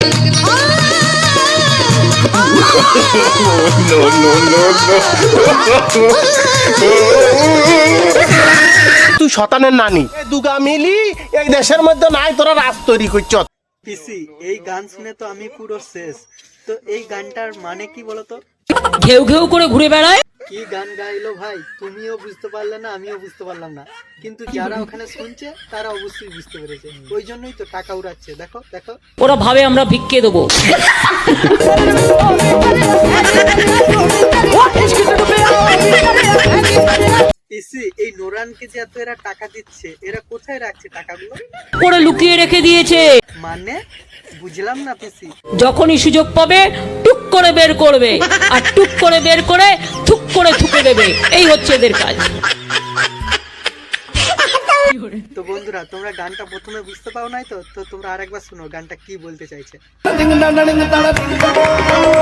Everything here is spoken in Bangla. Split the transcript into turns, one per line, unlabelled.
তুই শতানের নানি দুগা মিলি এই দেশের মধ্যে নাই তোরা রাজ তৈরি করছ।
পিসি এই গান শুনে তো আমি পুরো শেষ। তো এই গানটার মানে কি বলতো?
ঘেউ ঘেউ করে ঘুরে বেড়ায়।
কি গান গাইলো ভাই, তুমিও বুঝতে পারলে না, আমিও বুঝতে পারলাম না, কিন্তু যারা ওখানে শুনছে তারা অবশ্যই বুঝতে পেরেছে। ওই জন্যই তো টাকা উড়াচ্ছে। দেখো দেখো,
ওরা ভাবে আমরা ভিক্ষে দেবো।
পিসি এই নোরানকে যে এত এরা টাকা দিচ্ছে, এরা কোথায় রাখছে টাকাগুলো?
ওরা লুকিয়ে রেখে দিয়েছে।
মানে বুঝলাম না পিসি।
যখনই সুযোগ পাবে টুক করে বের করবে, আর টুক করে বের করে থুক করে থুকে দেবে। এই হচ্ছে এদের কাজ।
তো বন্ধুরা, তোমরা গানটা প্রথমে বুঝতে পাও নাই তো তোমরা আরেকবার শুনো গানটা কি বলতে চাইছে।